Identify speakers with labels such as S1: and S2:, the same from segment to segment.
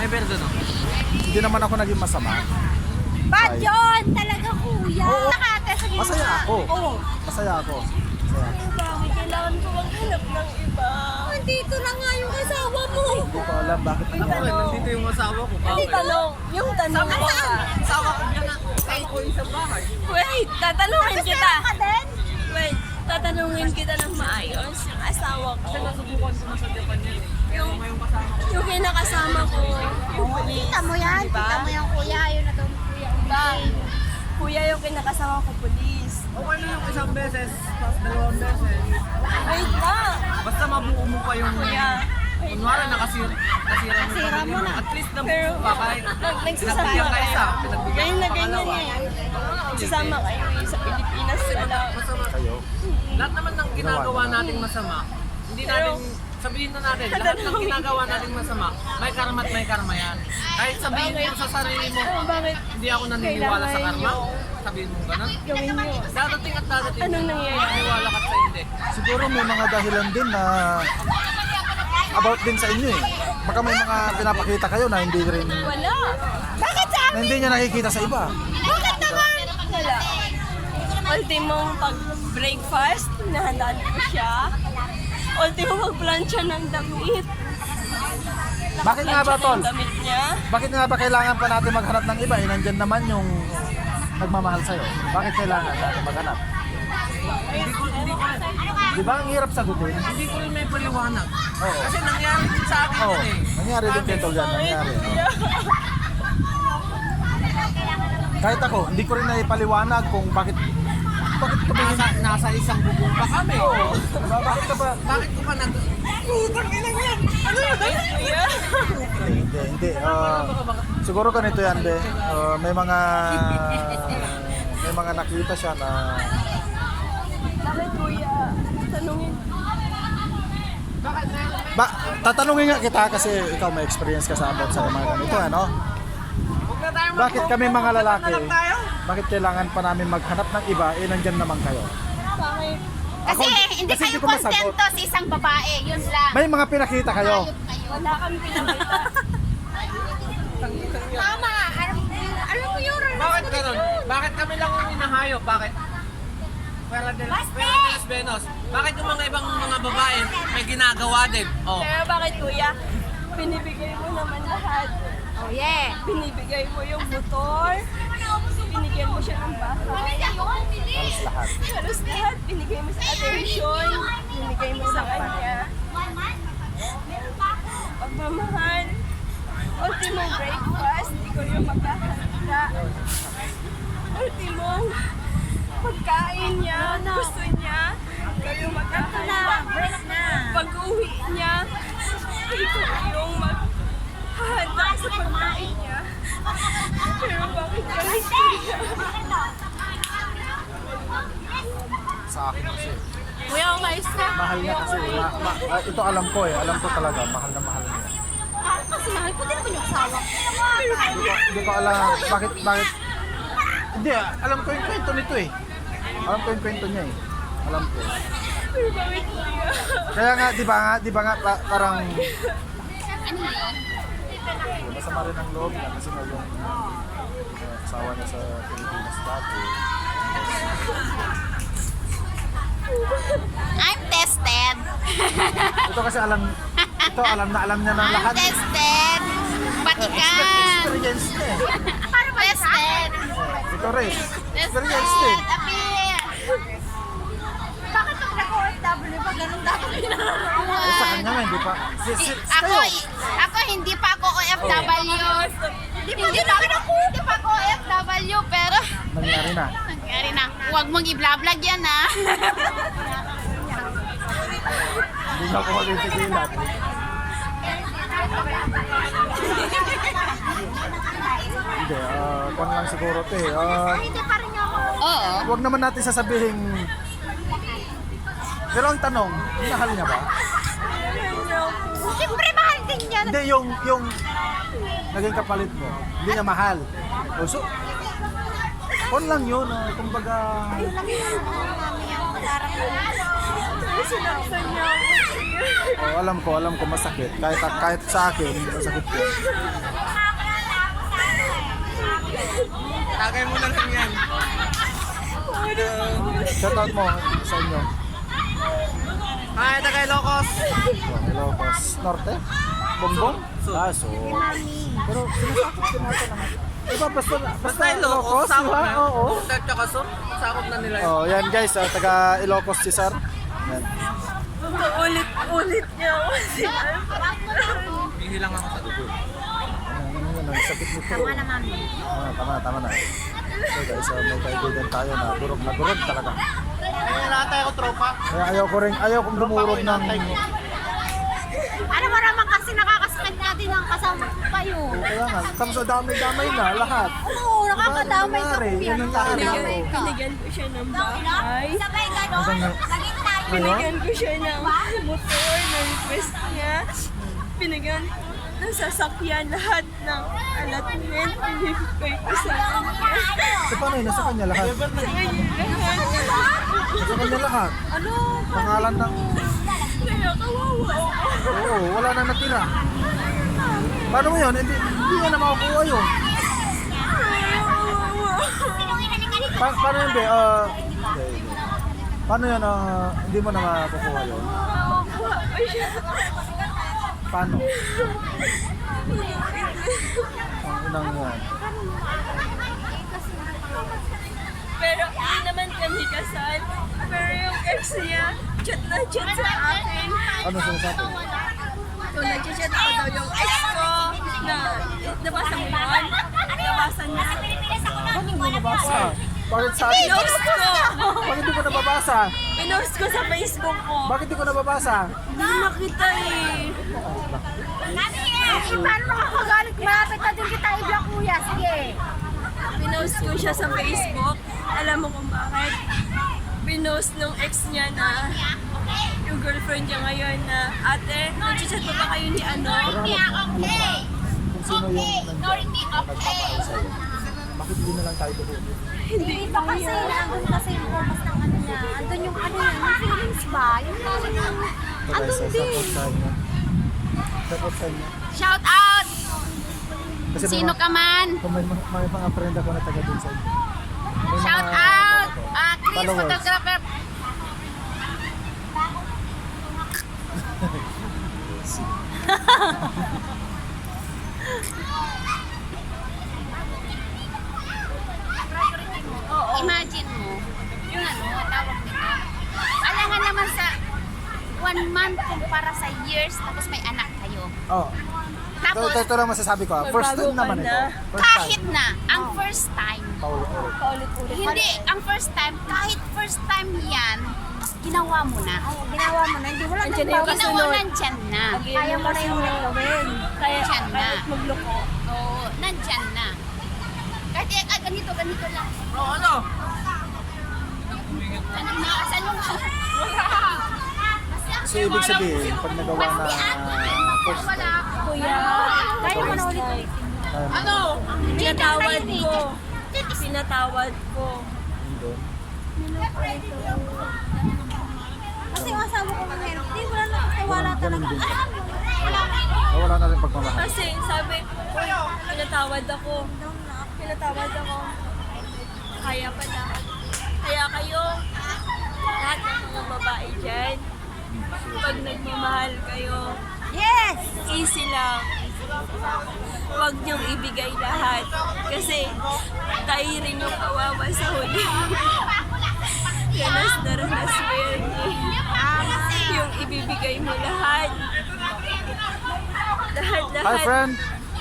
S1: May perdon no?
S2: Hindi naman ako naging masama.
S3: Bad yun! Talaga kuya!
S2: Oo.
S3: Nakatasabi
S2: Masaya ako.
S3: Oo.
S2: Masaya ako. Masaya.
S3: Bakit kailangan ko maghanap ng iba? Nandito na nga yung asawa mo!
S2: Hindi ko alam bakit
S1: Ako rin, nandito yung asawa ko.
S3: Hindi tanong. Yung tanong ko ka.
S1: Asawa ko yan na. Kain ko yung sa bahay.
S3: Wait, tatanungin kita. Wait, tatanungin kita ng maayos. Yung asawa ko.
S1: Kasi nasubukan ko na sa Japan yan eh. Kaya ako ngayong kasama ko.
S3: Yung kinakasama ko. Yung police.
S4: Kita mo yan,
S3: diba?
S4: kita mo yan kuya, yun na daw kuya.
S3: Diba? Kuya yung kinakasama ko, police.
S1: Okay na yung isang beses, tapos dalawang beses.
S3: Wait na.
S1: Basta mabuo mo pa yung...
S3: Kuya. Wait
S1: Kunwari
S3: na.
S1: nakasira mo na. At least
S3: Pero,
S1: nabuo pa kahit
S3: nagsasama
S1: pinagbigyan ka isa,
S3: kayo.
S1: pinagbigyan
S3: Ganyan
S1: ka
S3: na ganyan
S1: pangalawa.
S3: yan. Nagsasama kayo eh, sa Pilipinas sila.
S1: Masama.
S2: kayo.
S1: Lahat naman ng ginagawa nating masama, hindi natin, sabihin na natin, lahat ng ginagawa nating masama, may karma at may karma yan. Kahit sabihin mo sa sarili mo,
S3: Bakit
S1: hindi ako naniniwala sa karma,
S3: kailangan
S1: sabihin mo ganun.
S3: gawin nyo?
S1: Dadating at dadating,
S3: Anong nangyayari?
S1: naniniwala ka sa hindi.
S2: Siguro may mga dahilan din na about din sa inyo eh. Baka may mga pinapakita kayo na hindi rin,
S3: Wala. Bakit sa
S2: na hindi niya nakikita sa iba.
S3: Bakit naman? Wala. Ultimong pag-breakfast, nahandaan ko siya. Ultimong mag-plancha ng damit.
S2: Bakit nga ba, Tol?
S3: Ng damit niya.
S2: Bakit nga ba kailangan pa natin maghanap ng iba? Eh, nandyan naman yung nagmamahal sa'yo. Bakit kailangan natin maghanap? Di ba ang hirap sagutin?
S1: Hindi ko rin may paliwanag.
S2: Oo.
S1: Kasi nangyari din sa akin
S2: Oo.
S1: yun eh.
S2: Nangyari din kay Tol yan. Nangyari. Oo. Kahit ako, hindi ko rin naipaliwanag kung bakit ka ba
S1: Nasa isang bubong pa kami.
S2: bakit ka ba
S1: Bakit ko pa nag... Putang ina yan! Ano yun?
S2: hindi siguro ganito yan be. May mga nakita siya na
S3: Bakit kuya? Tanungin.
S2: tatanungin nga kita kasi ikaw may experience ka sa about sa mga ganito ano.
S1: Huwag na tayo
S2: Bakit kami mga lalaki?
S1: na lang tayo.
S2: Bakit kailangan pa namin maghanap ng iba nandyan naman kayo?
S3: Bakit?
S4: Kasi hindi
S2: kasi
S4: kayo
S2: ko masagot.
S4: kontento sa isang babae, yun lang.
S2: May mga pinakita kayo.
S3: Wala kami pinakita.
S4: Tama, alam mo yun.
S1: Bakit ganun? Bakit kami lang yung hinahayop? Bakit? Pera de los Benos. Bakit yung mga ibang mga babae may ginagawa din? Oh.
S3: Pero bakit kuya? Binibigay mo naman lahat.
S4: Oh yeah.
S3: Binibigay mo yung motor. Binigyan mo siya ng bahay.
S2: Halos lahat.
S3: Halos lahat. Binigay mo sa attention. Binigay mo sa kanya. Pagmamahal. Ultimong breakfast. Ikaw yung maghahanda. Ultimong pagkain niya. Gusto niya. Ikaw yung maghahanda. Pag-uwi niya. Ikaw yung maghahanda sa pagkain niya. Pero bakit galit niya?
S2: Sa akin kasi.
S3: Kuya, umayos ka.
S2: Mahal niya kasi. Ito alam ko eh. Alam ko talaga. Mahal na mahal niya.
S4: Kasi mahal ko din naman yung asawa ko.
S2: Hindi ko alam. Bakit? Hindi alam ko yung kwento nito eh. Alam ko yung kwento niya eh. Alam ko.
S3: Pero bakit kuya?
S2: Kaya nga, di ba nga parang masama rin ang loob niya kasi nga yung asawa niya sa Pilipinas dati.
S4: I'm tested.
S2: Ito kasi alam niya ng
S4: I'm
S2: lahat.
S4: tested. Batikan.
S2: Experience niya eh.
S4: Tested.
S2: Ito rin. Experience niya eh.
S4: Appear. Bakit pag nag-OFW pa ganun dapat
S2: Eh, sa kanya nga, hindi pa.
S4: Ako hindi pa ako OFW. Hindi pa ako OFW pero
S2: Nangyari na.
S4: nangyari na. Huwag mong i-vlog yan ha.
S2: Hindi na ako magpipigilan. Hindi, kung lang siguro ito eh.
S4: Hindi pa rin ako. Oo.
S2: Huwag naman natin sasabihin. Pero ang tanong, mahal niya ba?
S4: Siyempre mahal din yan.
S2: Hindi, yung naging kapalit mo, hindi niya mahal. O, so, on lang yun, kumbaga,
S4: Yun lang yung namin yung parang
S3: sinaktan niya ako.
S2: Oh, alam ko masakit. Kahit sa akin, masakit yun.
S1: Tagay mo na lang yan.
S2: Shoutout mo sa inyo.
S1: Hi, Tagay Locos!
S2: Oh, Ilocos Norte? Bongbong?
S1: Sur.
S2: So. Pero sinasakot ko natin naman. Diba, basta
S1: Ilocos, sakop
S2: diba?
S1: na.
S2: Oo.
S1: Norte tsaka Sur, sakop na nila yun.
S2: Oh, yan guys, taga Ilocos si Sir. Yan.
S3: Ulit niya ako.
S1: Hihilang ako sa dugo.
S2: Ano, sakit nito.
S4: Tama na, mami.
S2: Tama na. So guys, may kaibigan tayo na durog talaga.
S1: Ay, lahat tayo tropa.
S2: Kaya ayaw kong dumurog ng...
S4: Ano mo naman kasi nakakasakit natin ang kasama pa yun.
S2: Kaya nga, tapos damay na lahat.
S4: Oo, nakakadamay ka
S2: Ano
S4: kuya.
S2: nangyari?
S4: Nakakadamay ka.
S3: Binigyan ko siya ng bahay.
S4: Sabay ganon.
S2: Hanggang na-
S4: Laging tayo.
S3: Binigyan ko siya ng motor na request niya. Binigyan ko ng sasakyan lahat ng allotment. Binigay ko sa kanya.
S2: So paano yun? Nasa kanya lahat?
S3: Sa kanya lahat.
S2: Nasa kanya lahat?
S4: Ano?
S2: Pangalan ng...
S3: Kaya kawawa.
S2: Oo, wala na natira. Paano mo yun? Hindi nga na makakuha yun. Paano yun, be? Paano yun? Hindi mo na makakuha yun? Paano? Ang inang yan.
S3: Pero hindi naman kami kasal. Pero yung ex niya, chat na chat sa akin.
S2: Ano sinasabi?
S3: Kung nag-chat ako daw yung ex ko, na nabasa mo yun? Nabasa niya.
S2: Bakit mo nabasa? Bakit sa akin?
S3: Pinost ko!
S2: Bakit di ko nababasa?
S3: Pinost ko sa Facebook ko.
S2: Bakit di ko nababasa?
S3: Hindi makita eh.
S4: Paano makakagalit? Malapit na din kita i-block kuya. Sige.
S3: Pinost ko siya sa Facebook. Alam mo kung bakit? Pinost nung ex niya na yung girlfriend niya ngayon na, ate, nag-chat pa ba kayo ni ano?
S2: Kung sino yung nagpapakay sa'yo. Bakit hindi na lang tayo doon?
S4: Hindi pa kasi nandun kasi yung purpose ng ano niya. Andun yung ano niya, yung feelings ba? Yung andun din.
S2: Support sa inyo.
S4: Shout out!
S2: Kasi
S4: Sino ka man?
S2: Kung may mga friend ako na taga doon sa inyo. May
S4: Shout
S2: mga-
S4: out! Chris,
S2: Followers.
S4: photographer. Imagine mo, yung ano, tawag nito. Alam nga naman sa 1 month kumpara sa years, tapos may anak kayo.
S2: Oh.
S4: Tapos,
S2: Ito lang masasabi ko. First time
S3: Magbago ka
S2: naman ito.
S3: na.
S2: First time.
S4: kahit na, ang first time,
S2: Paulit-ulit.
S3: Paulit-ulit.
S4: hindi, ang first time, kahit first time yan, ginawa mo na.
S5: Ginawa mo na, hindi mo lang
S3: Andiyan na yung
S4: Ginawa
S3: kasunod.
S4: nandyan na.
S5: kaya mo na yung gawin.
S3: Kaya,
S4: Nandyan na.
S3: kahit magloko.
S4: Oo, nandyan na. Kahit ganito lang.
S1: Bro, ano?
S4: Nakasal mo siya.
S2: So, ibig sabihin, pag nagawa na first
S4: Wala.
S2: time,
S3: Kuya,
S5: Kaya mo na ulit.
S2: kaya mo
S1: Ano?
S3: pinatawad ko. Pinatawad ko.
S2: hindi.
S5: Kasi yung asawa ko mahirap, hindi mo lang nakakawala
S2: Ganun
S5: talaga.
S2: din. Wala na rin pagmamahal.
S3: Kasi sabi, pinatawad ako. Pinatawad ako. Kaya pala. Kaya kayo, lahat ng mga babae dyan, pag nagmamahal kayo,
S5: Yes!
S3: easy lang. Huwag niyong ibigay lahat. Kasi tayo rin yung kawawa sa huli. Ranas na ranas mo yan eh. Yung ibibigay mo lahat.
S2: Hi
S3: Lahat-lahat.
S2: friend!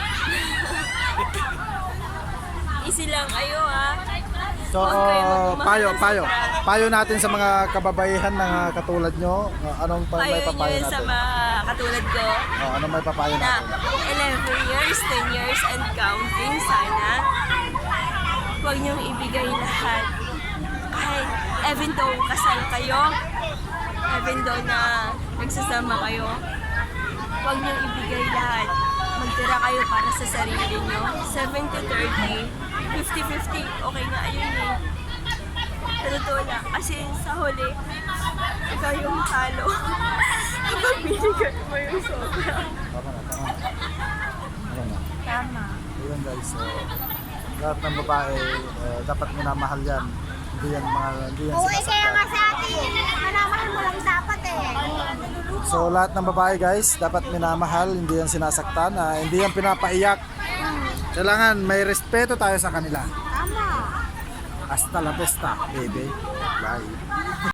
S3: Easy lang kayo ha.
S2: So,
S3: Huwag kayo magmamahal ng sobra.
S2: payo natin sa mga kababaihan na katulad nyo. Anong may
S3: Payo
S2: papayo
S3: nyo sa
S2: natin?
S3: mga katulad ko
S2: Anong may papayo
S3: na
S2: natin?
S3: 11 years, 10 years and counting sana. Huwag niyong ibigay lahat. Kahit even though kasal kayo, even though na nagsasama kayo, huwag niyong ibigay lahat. Magtira kayo para sa sarili niyo. 70-30, 50-50, okay nga ayun eh. Sa totoo lang. Kasi sa huli, ikaw yung talo. Kapag binigay mo yung sobra.
S2: Tama na, tama na. Tama na.
S3: Tama.
S2: Ayun guys, lahat ng babae, dapat minamahal yan. Hindi yan
S5: Oo, kaya
S2: sinasaktan.
S5: nga sa atin, manamahal mo lang dapat eh.
S2: So lahat ng babae guys, dapat minamahal, hindi yan sinasaktan, hindi yan pinapaiyak. Kailangan may respeto tayo sa kanila.
S5: Tama.
S2: Hasta la vista, baby. Bye.